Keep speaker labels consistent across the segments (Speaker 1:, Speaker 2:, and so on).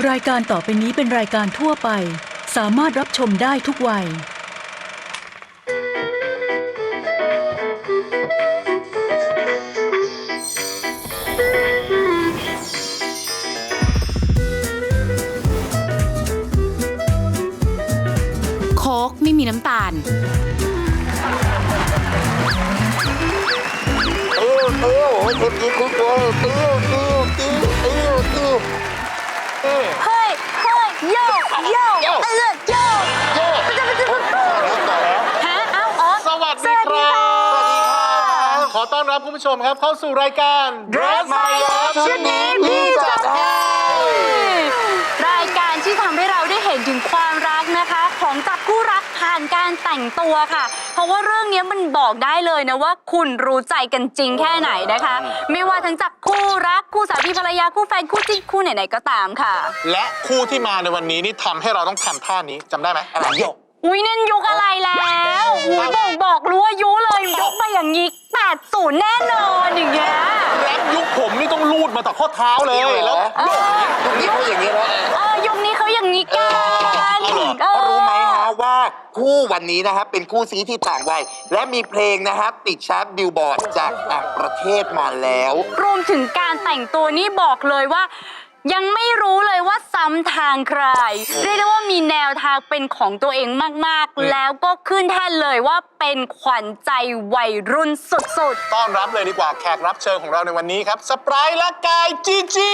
Speaker 1: รายการต่อไปนี้เป็นรายการทั่วไปสามารถรับชมได้ทุกวัย
Speaker 2: โค้กไม่มีน้ำตาล
Speaker 3: เฮ้ยโยฮะเอ้าอ๋อ
Speaker 4: สวัสดีครับ
Speaker 3: สวัสดีค่ะ
Speaker 4: ขอต้อนรับคุณผู้ชมครับเข้าสู่รายการ
Speaker 3: Dress My Love ชุดนี้พี่จัดให้รายการที่ทำให้เราได้เห็นถึงความรักนะคะของจับคู่รักผ่านการแต่งตัวค่ะเพราะว่าเรื่องนี้มันบอกได้เลยนะว่าคุณรู้ใจกันจริงแค่ไหนนะคะไม่ว่าทั้งจับคู่รักคู่สามีภรรยาคู่แฟนคู่จิ้นคู่ไหนๆก็ตามค่ะ
Speaker 4: และคู่ที่มาในวันนี้นี่ทำให้เราต้องทำท่านี้จำได้ไหมอะไรโยก
Speaker 3: อุ้ยนั่นยุคอะไรแล้วอุ้ยบอกรู้อายุเลยยกมาอย่างนี้80แน่นอนอย่างเงี้ย
Speaker 4: แรปยุคผมนี่ต้องลูดมาต่อข้อเท้าเลยแล้ว
Speaker 3: ยุคนี้เขาอย่างนี้แล้วยุคนี้เขาอย่างนี้กัน
Speaker 5: รู้ไหมฮะว่าคู่วันนี้นะครับเป็นคู่ซีที่ต่างวัยและมีเพลงนะครับติดชาร์ตบิลบอร์ดจากต่างประเทศมาแล้ว
Speaker 3: รวมถึงการแต่งตัวนี่บอกเลยว่ายังไม่รู้เลยว่าซ้ำทางใครเรียกได้ว่ามีแนวทางเป็นของตัวเองมากๆแล้วก็ขึ้นแท่นเลยว่าเป็นขวัญใจวัยรุ่นสุด
Speaker 4: ๆต้อนรับเลยดีกว่าแขกรับเชิญของเราในวันนี้ครับสไปร์และกายจีจี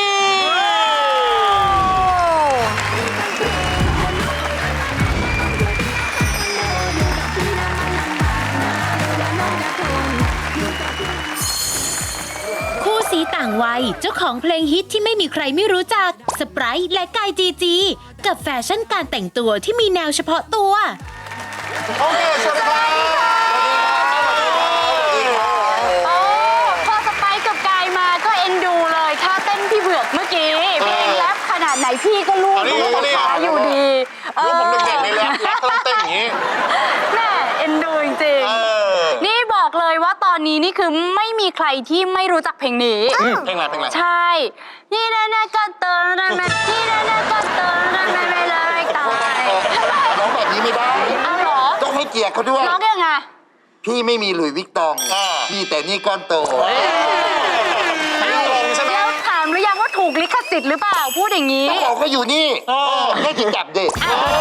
Speaker 2: สีต่างวัยเจ้าของเพลงฮิตที่ไม่มีใครไม่รู้จักสไปร์และกายจีจีกับแฟชั่นการแต่งตัวที่มีแนวเฉพาะตัว
Speaker 4: โอเคสวัสดีครับ
Speaker 3: พอสไปร์กับกายมาก็เอ็นดูเลยท่าเต้นพี่เบือกเมื่อกี้เพลงแรปขนาดไหนพี่ก็รู้ขาอยู่ดี
Speaker 4: รู้ผมเด็กๆในแรปเขาเต้นอย่างนี้
Speaker 3: แม่เอ็นดูจริงๆนี่บอกเลยว่าตอนนี้นี่คือไม่มีใครที่ไม่รู้จักเพลงนี้
Speaker 4: เพลงอะไร
Speaker 3: ใช่นี่นะก็เติร์นนะนี่นะก็เติร์นนะไม่เลยตาย
Speaker 5: ร้องแบบนี้ไม่ได้
Speaker 3: อ้าวเหรอ
Speaker 5: ต้องให้เกียรติเขาด้วย
Speaker 3: ร้องยังไง
Speaker 5: พี่ไม่มีหลุยส์วิกตองมีแต่นี่ก้อนโต
Speaker 3: แล้วถามหรือยังว่าถูกลิขสิทธิ์หรือเปล่าพูดอย่างนี้
Speaker 5: เขาก็อยู่นี่ให้จิจับเด็ก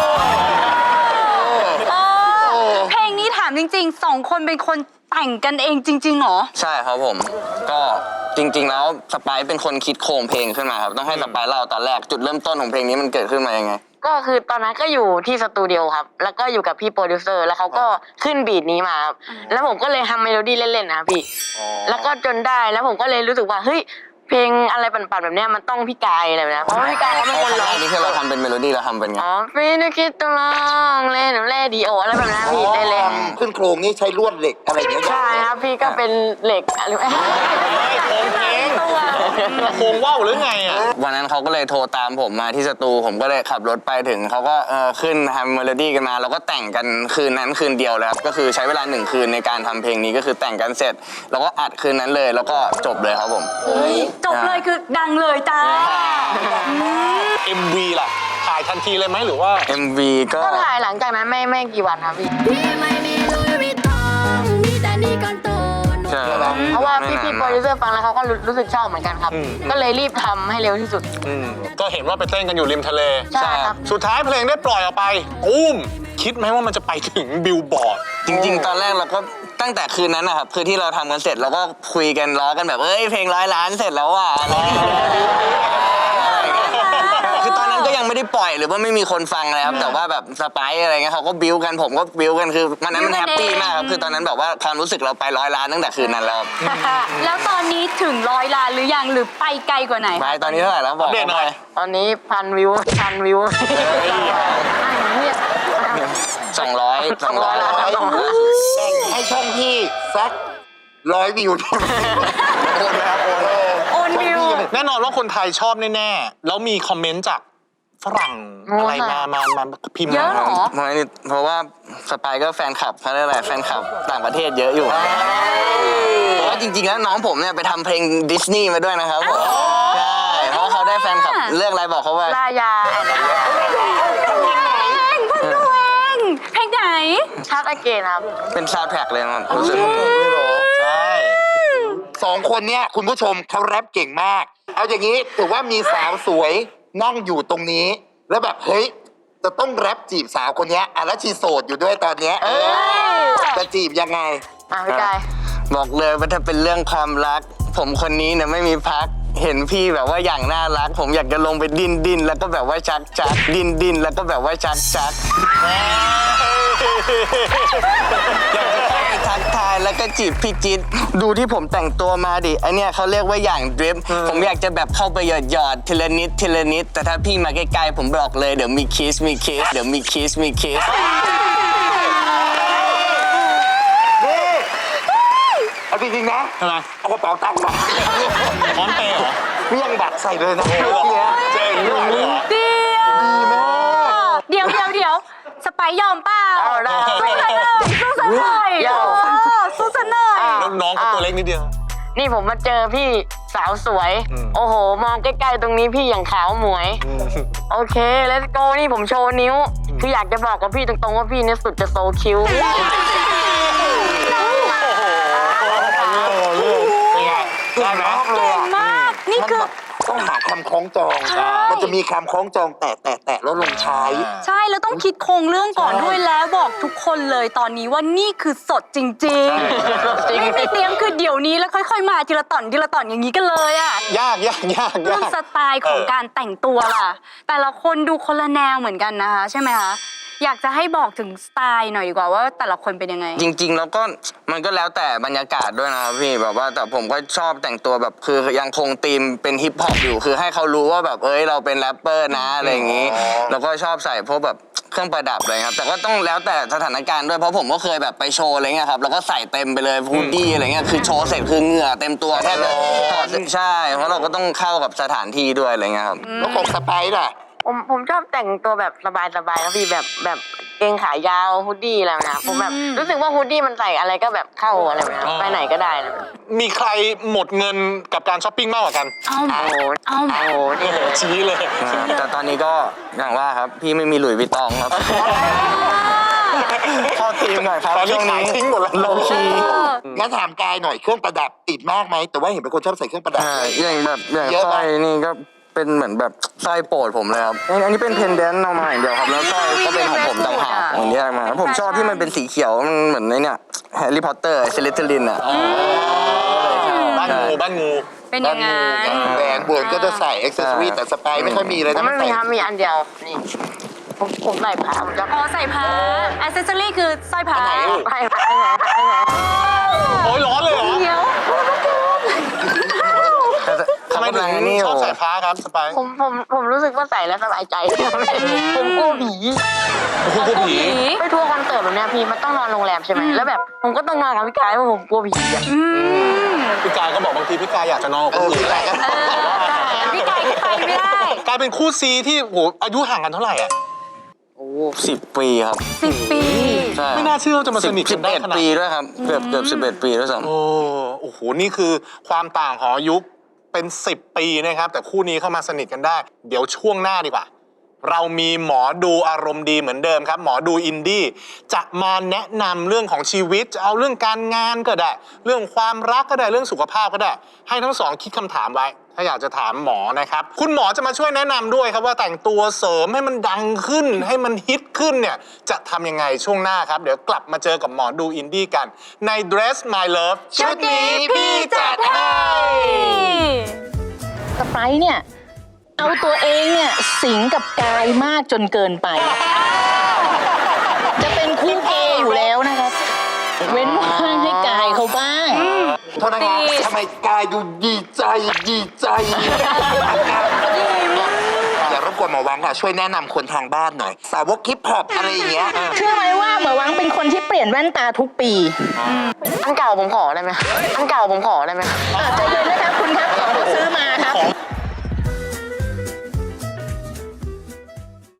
Speaker 3: เพลงนี้ถามจริงๆ2 คนเป็นคนแต่งกันเองจริงๆหรอ
Speaker 6: ใช่ครับผมก็จริงๆแล้วสไปร์เป็นคนคิดโครงเพลงขึ้นมาครับต้องให้สไปร์เล่าตอนแรกจุดเริ่มต้นของเพลงนี้มันเกิดขึ้นมายังไง
Speaker 7: ก็คือตอนนั้นก็อยู่ที่สตูดิโอครับแล้วก็อยู่กับพี่โปรดิวเซอร์แล้วเขาก็ขึ้นบีทนี้มาครับแล้วผมก็เลยทำเมโลดี้เล่นๆนะพี่แล้วก็จนได้แล้วผมก็เลยรู้สึกว่าเฮ้ยเพลงอะไรปั่นๆแบบเนี้ยมันต้องพี่กายอะไรแบบนี้เพราะพี่กายเขาเป็นคนร้อง
Speaker 6: นี่คือเราทำเป็นเมโลดี้เราทำเป็นไง
Speaker 7: พี่นึกคิดต้องร้องเล่นแร่ดีโออะไรแบบนี้พี่ได้เลย
Speaker 5: ขึ้นโครงนี่ใช้ลวดเหล็กอะไรอย่างเงี้ย
Speaker 7: ใช่ครับพี่ก็เป็นเหล็กอะไรแบบนี้
Speaker 4: โครงว่าวหรือไงอ่ะ
Speaker 6: วันนั้นเขาก็เลยโทรตามผมมาที่สตูผมก็เลยขับรถไปถึงเขาก็ขึ้นทำเมโลดี้กันมาแล้วก็แต่งกันคืนนั้นคืนเดียวแล้วก็คือใช้เวลา1 คืนในการทำเพลงนี้ก็คือแต่งกันเสร็จแล้วก็อัดคืนนั้นเลยแล้วก็จบเลยครับผม
Speaker 3: จบเลยคือดังเลยจ้า
Speaker 4: MV ล่ะถ่ายทันทีเลยไหมหรือว่า
Speaker 6: MV ก็
Speaker 7: ถ่ายหลังจากนั้นไม่กี่วันครับพี่เพราะว่าพี่โปรดิวเซอร์ฟังแล้วเขาก็รู้สึกชอบเหมือนกันครับก็เลยรีบทำให้เร็วที่สุด
Speaker 4: ก็เห็นว่าไปเต้นกันอยู่ริมทะเล
Speaker 7: ใช่ครับ
Speaker 4: สุดท้ายเพลงได้ปล่อยออกไปอุ้มคิดไหมว่ามันจะไปถึงบิลบอร์ด
Speaker 6: จริงๆตอนแรกเราก็ตั้งแต่คืนนั้นนะครับคือที่เราทำกันเสร็จเราก็คุยกันล้อกันแบบเพลง100 ล้านเสร็จแล้วว่ะคือตอนนั้นก็ยังไม่ได้ปล่อยหรือว่าไม่มีคนฟังเลยครับแต่ว่าแบบสไปร์อะไรเงี้ยเขาก็บิ้วกันผมก็บิ้วกันคือมันนั้นมันแฮปปี้มากครับคือตอนนั้นแบบว่าความรู้สึกเราไป100 ล้านตั้งแต่คืนนั้นแล้ว
Speaker 3: แล้วตอนนี้ถึง100 ล้านหรือยังหรือไปไกลกว่าไหน
Speaker 6: ไปตอนนี้เท่าไหร่แล้วบอก
Speaker 4: เด่นหน่อย
Speaker 7: ตอนนี้1,000 วิว
Speaker 6: 200
Speaker 5: ล้านให้ช่องพี่สัก100 วิว
Speaker 3: โอนวิว
Speaker 4: แน่นอนว่าคนไทยชอบแน่ๆแล้วมีคอมเมนต์จากฝรั่งอะไรมาพิมพ์
Speaker 3: เยอะหรอ
Speaker 6: เพราะว่าสไปร์ก็แฟนคลับเขาเรียกอะไรแฟนคลับต่างประเทศเยอะอยู่เพราะว่าจริงๆแล้วน้องผมเนี่ยไปทำเพลงดิสนีย์มาด้วยนะครับใช่เพราะเขาได้แฟนคลับเรื่องอะไรบอกเขาว่า
Speaker 7: ลายา
Speaker 3: เพลงไหน
Speaker 7: ชักอเกนครับ
Speaker 6: เป็นซาวด์แทร็กเลยครับรู้สึก
Speaker 4: ใช่
Speaker 5: 2 คนเนี้ยคุณผู้ชมเขาแรปเก่งมาก เอาอย่างนี้ถือว่ามีสาวสวยนั่งอยู่ตรงนี้ แล้วแบบเฮ้ยจะต้องแรปจีบสาวคนเนี้ยอ่ะแล้วชีโสดอยู่ด้วยตอนเนี้ยจะจีบยังไง
Speaker 7: พี่กาย
Speaker 6: บอกเลยว่าถ้าเป็นเรื่องความรัก ผมคนนี้เนี่ยไม่มีพัก เห็นพี่แบบว่าอย่างน่ารัก ผมอยากจะลงไปดิ้นแล้วก็แบบว่าชักดิ้นแล้วก็แบบว่าชักอยากจะเข้าไปทักทายแล้วก็จีบพี่จิ๊ดดูที่ผมแต่งตัวมาดิไอเนี่ยเขาเรียกว่าอย่างดริฟผมอยากจะแบบเข้าไปหยอดทีละนิดแต่ถ้าพี่มาใกล้ๆผมบอกเลยเดี๋ยวมีคิสเดี๋ยวมีคิส
Speaker 5: เอาจริงๆนะ
Speaker 4: ทำไม
Speaker 5: เอากระเป๋าตังค์มา
Speaker 4: พร้อมเปย์เหรอ
Speaker 5: เรี่ยงบัตรใส่เลยนะเนี้ย
Speaker 4: เจ๋งด้วยเหรอ
Speaker 5: ดีมาก
Speaker 3: เดี๋ยวสไปซ์ยอมเปล่า
Speaker 7: เอาได้
Speaker 3: สู้กันเลยสู้กันหน่อย
Speaker 7: ยอม
Speaker 3: สู้กันหน่อย
Speaker 4: แล้วน้องเขาตัวเล็กนิดเดียว
Speaker 7: นี่ผมมาเจอพี่สาวสวย โอ้โห มองใกล้ๆตรงนี้พี่อย่างขาวหมวย โอเค let's go นี่ผมโชว์นิ้ว คืออยากจะบอกกับพี่ตรงๆว่าพี่เนี่ยสุดจะโซคิ้ว
Speaker 4: ได้ไหม
Speaker 3: เก่งมาก นี่คือ
Speaker 5: ต้องหาคำคล้องจอง มันจะมีคำคล้องจองแตะแล้วลงท้าย
Speaker 3: ใช่แล้วต้องคิดโครงเรื่องก่อนด้วยแล้วบอกทุกคนเลยตอนนี้ว่านี่คือสดจริงๆไม่มีเตรียมคือเดี๋ยวนี้แล้วค่อยๆมาทีละต่อนอย่างนี้กันเลยอะ
Speaker 4: ยาก
Speaker 3: เรื่องสไตล์ของการแต่งตัวล่ะ แต่ละคนดูคนละแนวเหมือนกันนะคะใช่ไหมคะอยากจะให้บอกถึงสไตล์หน่อยดีกว่าว่าแต่ละคนเป็นยังไง
Speaker 6: จริงๆแล้วก็มันก็แล้วแต่บรรยากาศด้วยนะครับพี่แบบว่าแต่ผมก็ชอบแต่งตัวแบบคือยังคงธีมเป็นฮิปฮอปอยู่คือให้เขารู้ว่าแบบเราเป็นแรปเปอร์นะอะไรอย่างนี้แล้วก็ชอบใส่พวกแบบเครื่องประดับเลยครับแต่ก็ต้องแล้วแต่สถานการณ์ด้วยเพราะผมก็เคยแบบไปโชว์อะไรเงี้ยครับแล้วก็ใส่เต็มไปเลยฮูดดี้อะไรเงี้ยคือโชว์เสร็จคือเหงื่อเต็มตัวแทบจะถอดใช่เพราะเราก็ต้องเข้ากับสถานที่ด้วยอะไรเงี้ยครับ
Speaker 5: แล้วของสไปซ์ล่ะ
Speaker 7: ผมชอบแต่งตัวแบบสบายๆนะพี่แบบเกงขายาวฮูดดี้อะไรนะผมแบบรู้สึกว่าฮูดดี้มันใส่อะไรก็แบบเข้าอะไรแบบนี้ไปไหนก็ได้นะ
Speaker 4: มีใครหมดเงินกับการช้อปปิ้งมากกว่ากัน
Speaker 7: โอ้โหนี่เลย
Speaker 4: ชี้เลย
Speaker 6: แต่ตอนนี้ก็อย่างว่าครับพี่ไม่มีหลุยส์วิตตองครับเข้าทีมหน่อยครับ
Speaker 4: ตอนนี้
Speaker 6: ช่วง
Speaker 4: ขาย
Speaker 6: นี้
Speaker 4: ทิ้งหมดแล้ว
Speaker 6: โลคี
Speaker 5: งั้นถามกายหน่อยเครื่องประดับติดมากไหมแต่ว่าเห็นเป็นคนชอบใส่เครื่องประดับ
Speaker 6: อย่าง
Speaker 5: เยอะ
Speaker 6: ส
Speaker 5: ปะ
Speaker 6: ร้อยนี่ก็เป็นเหมือนแบบสร้อยโปรดผมเลยครับอันนี้เป็นเพนเดนต์เอามาอย่างเดียวครับแล้วสร้อยก็เป็นของผมต่างหากอย่างนี้มาผมชอบที่มันเป็นสีเขียวมันเหมือนในเนี่ยแฮร์รี่พอตเตอร์เซเลสเทอรินอ่ะ
Speaker 4: บ้านงู
Speaker 3: เป็นยังไง
Speaker 5: แหวนบวนก็จะใส่อ็อกเซสซอรี่แต่สไปซ์ไม่ค่อยมีเลย
Speaker 7: ผม
Speaker 5: นะ
Speaker 7: ไม่มีครับมีอันเดียวนี่ผมใส่ผ้าผมจะ
Speaker 3: อ๋อใส่ผ้าอัซเซสซอรี่คือสร้อยผ้า
Speaker 7: ใส่ผ้า
Speaker 4: โอ้ยร้อนเลยเหรอ
Speaker 3: เดี๋ยว
Speaker 4: ทำไมถึงชอบใส่ผ้าครับสไปซ์
Speaker 7: ผมรู้สึกว่าใส่แล้วสบายใจผมกลัวผี
Speaker 4: คุณกลัวผี
Speaker 7: ไปทัวร์คอนเสิร์ตแบบเนี้ยพี่มันต้องนอนโรงแรมใช่ไหมแล้วแบบผมก็ต้องนอนกับพี่กายเพราะผมกลัวผีอะ
Speaker 4: พี่กายก็บอกบางทีพี่กายอยากจะนอนกับคนอื่น
Speaker 3: พี่ไก่ก็ไปไม่ได้
Speaker 4: กลายเป็นคู่ซีที่โหอายุห่างกันเท่าไหร่อ่ะ
Speaker 6: 10 ปีครับ
Speaker 3: 10 ปี
Speaker 6: ใช่
Speaker 4: ไม่น่าเชื่อว่าจะมาสนิทกันได้ขนาด
Speaker 6: 11 ปีด้วยครับเกือบ11 ปีด้วยซ้ำ
Speaker 4: โอ้โห นี่คือความต่างของอายุเป็น 10 ปีนะครับ แต่คู่นี้เข้ามาสนิทกันได้ เดี๋ยวช่วงหน้าดีกว่า เรามีหมอดูอารมณ์ดีเหมือนเดิมครับ หมอดูอินดี้จะมาแนะนำเรื่องของชีวิตจะเอาเรื่องการงานก็ได้ เรื่องความรักก็ได้เรื่องสุขภาพก็ได้ ให้ทั้งสองคิดคำถามไว้ ถ้าอยากจะถามหมอนะครับ คุณหมอจะมาช่วยแนะนำด้วยครับว่าแต่งตัวเสริมให้มันดังขึ้น ให้มันฮิตขึ้นเนี่ยจะทำยังไงช่วงหน้าครับ เดี๋ยวกลับมาเจอกับหมอดูอินดี้กัน ใน Dress My Love ชุดนี้พี่จัดให้
Speaker 8: สไปซ์เนี่ย เอาตัวเองเนี่ย สิงกับกายมากจนเกินไป จะเป็นคู่เกย์อยู่แล้วนะครับ เว้นว่างให้กายเขาบ้าง
Speaker 5: โทษนะครับทำไมกายดูดีใจอย่ารบกวนหมอวังค่ะ ช่วยแนะนำคนทางบ้านหน่อย สาวกฮิปฮอปอะไรอย่างเงี้ย
Speaker 8: เชื่อไหมว่าหมอวังเป็นคนที่เปลี่ยนแว่นตาทุกปี
Speaker 7: อันเก่าผมขอได้ไหมอันเก่าผมขอได้ไหม
Speaker 8: ใจเย็นนะครับคุณครับของที่ซื้อมาครับ